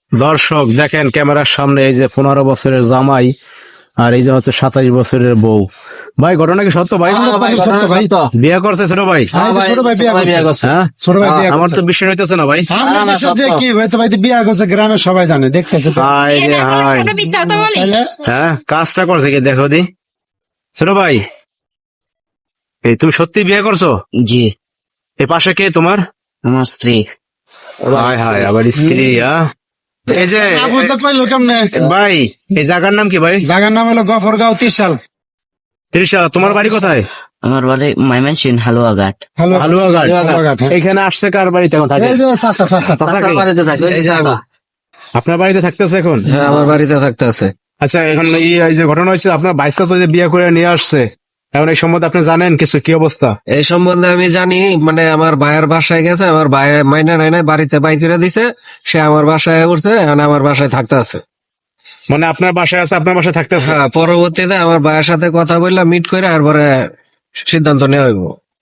দর্শক দেখেন ক্যামেরার সামনে এই যে 15 বছরের জামাই আর এই যে হচ্ছে 27 বছরের বউ। ভাই ঘটনা কি সত্য ভাই? বিয়ে করছে ছোট ভাই? ছোট ভাই বিয়ে করছে। হ্যাঁ ছোট ভাই বিয়ে আমার তো বিশ্বাস হইতেছে না ভাই। আমরা বিশ্বাস দিয়ে কি হয়তো ভাই বিয়ে করছে, গ্রামের সবাই জানে, দেখতেছে তো। হাই রে হাই। তাহলে হ্যাঁ কাজটা করছে কি দেখো দি ছোট ভাই। এই তুমি সত্যি বিয়ে করছো? জি, এ পাশে কে তোমার? আমার স্ত্রী। হাই হাই আবার স্ত্রী। এই যে না বুঝতে পারলো কেমনে? ভাই এই জায়গার নাম কি ভাই? জায়গার নাম হলো গফরগাঁও ত্রিশাল। ত্রিশাল। তোমার বাড়ি কোথায়? আমার বাড়ি ময়মনসিং হালুয়াঘাট। হালুয়াঘাট। হালুয়াঘাট, হ্যাঁ। এখানে আসছে কার বাড়িতে এখন থাকে? এই যে চাচা চাচা চাচা কে? আপনার বাড়িতে থাকতেছে এখন? হ্যাঁ, আমার বাড়িতে থাকতে আছে। আচ্ছা এখন এই যে ঘটনা হয়েছে আপনার বাইশটা তো যে বিয়ে করে নিয়ে আসছে, এখন এই সম্বন্ধে আপনি জানেন কিছু? কি অবস্থা? এই সম্বন্ধে আমি জানি, মানে আমার ভাইয়ের বাসায় গেছে, আমার ভাই মাইনা নাই নাই বাড়িতে বাই করে দিছে, সে আমার বাসায় উঠছে, এখন আমার বাসায় থাকতে আছে। মানে আপনার বাসায় আছে, আপনার বাসায় থাকতেছে? হ্যাঁ, পরবর্তীতে আমার ভাইয়ের সাথে কথা বললাম, মিট করে আর পরে সিদ্ধান্ত নেওয়া হইব।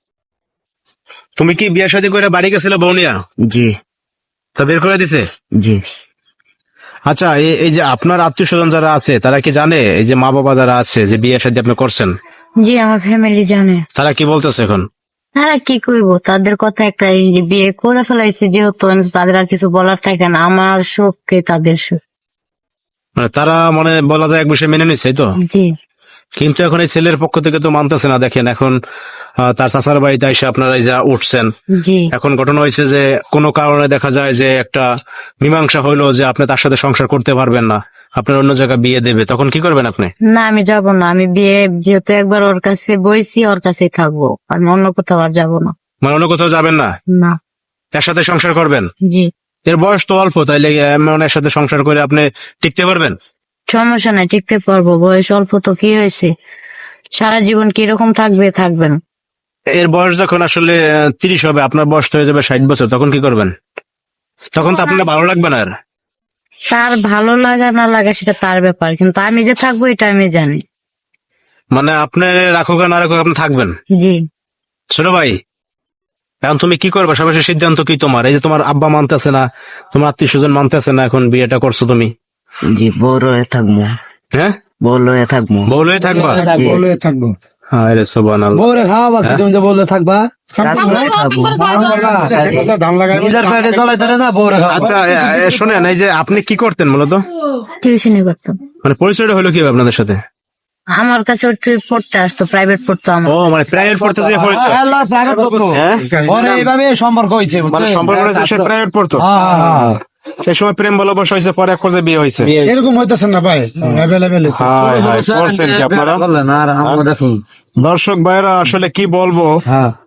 তুমি কি বিয়ে শাদী করে বাড়ি গেছিল বৌনিয়া? জি তা বের করে দিছে? জি। আচ্ছা এই যে আপনার আত্মীয় স্বজন যারা আছে তারা কি জানে, এই যে মা বাবা যারা আছে যে বিয়ে শাদী আপনি করছেন, জি আমার ফ্যামিলি জানে। তারা কি বলতেছে এখন? তারা কি করবো, তাদের কথা একটা, এই যে বিয়ে করে ফেলাইছে যেহেতু তাদের আর কিছু বলার থাকে না। আমার সুখকে তাদের সুখ। মানে তারা মানে বলা যায় এক বিষয়ে মেনে নিচ্ছে, এই তো? জি কিন্তু এখন এই ছেলের পক্ষ থেকে তো মানতেছে না। দেখেন এখন তার চাচার বাড়িতে এসে আপনারা এই যা উঠছেন, জি এখন ঘটনা হয়েছে যে কোনো কারণে দেখা যায় যে একটা মীমাংসা হইলো যে আপনি তার সাথে সংসার করতে পারবেন না, আপনার অন্য জায়গায় বিয়ে দেবে, তখন কি করবেন আপনি? না, আমি যাব না। আমি বিয়ে যেহেতু একবার ওর কাছে বইছি, ওর কাছেই থাকবো। আমি অন্য কোথাও আর যাবো না। মানে অন্য কোথাও যাবেন না, না। তার সাথে সংসার করবেন? জি এর বয়স তো অল্প, তাইলে এমন এর সাথে সংসার করে আপনি টিকতে পারবেন? সমস্যা নাই, টিকতে পারবো। বয়স অল্প তো কি হয়েছে, সারা জীবন কিরকম থাকবে থাকবেন। এর বয়স যখন আসলে 30 হবে, আপনার বয়স তো হয়ে যাবে 60 বছর, তখন কি করবেন? তখন তো আপনার ভালো লাগবে না আর। তার ভালো লাগা না লাগা সেটা তার ব্যাপার, কিন্তু আমি যে থাকবো এটা আমি জানি। মানে আপনি রাখুক আর না রাখুক আপনি থাকবেন। জি ছোট ভাই এখন তুমি কি করবে? সর্বশেষ সিদ্ধান্ত কি তোমার? এই যে তোমার আব্বা মানতেছে না, তোমার আত্মীয় স্বজন মানতেছে না, এখন বিয়েটা করছো তুমি, জি, বউ রয়ে থাকবো। হ্যাঁ বউ রয়ে থাকবো। বউলে থাকবা? বলে থাকবো। হ্যাঁ রে সুবহানাল্লাহ। বউরে খাওয়াবা, কি তুমি যে বললে থাকবা? ধান লাগাই নিজের পেটে চলাই ধরে না, বউরে খাওয়াবা। আচ্ছা শোনেন, এই যে আপনি কি করতেন মূলত? টিউশনি করতাম। মানে পরিচয়টা হলো কি আপনাদের সাথে? আমার কাছে একটু পড়তে আসতো, প্রাইভেট পড়তো আমার। ও মানে প্রাইভেট পড়তে যে পরিচয়? হ্যাঁ পরে এইভাবে সম্পর্ক হয়েছে, মানে সম্পর্ক হয়েছে, সে প্রাইভেট পড়তো, সেই সময় প্রেম ভালোবাসা হয়েছে, পরে এক পর্যায়ে বিয়ে হয়েছে। এরকম হইতেছে না ভাই, অ্যাভেলেবেল। হাই হাই করছেন কি আপনারা? আর আমরা দেখুন। দর্শক ভাইরা আসলে কি বলবো, হ্যাঁ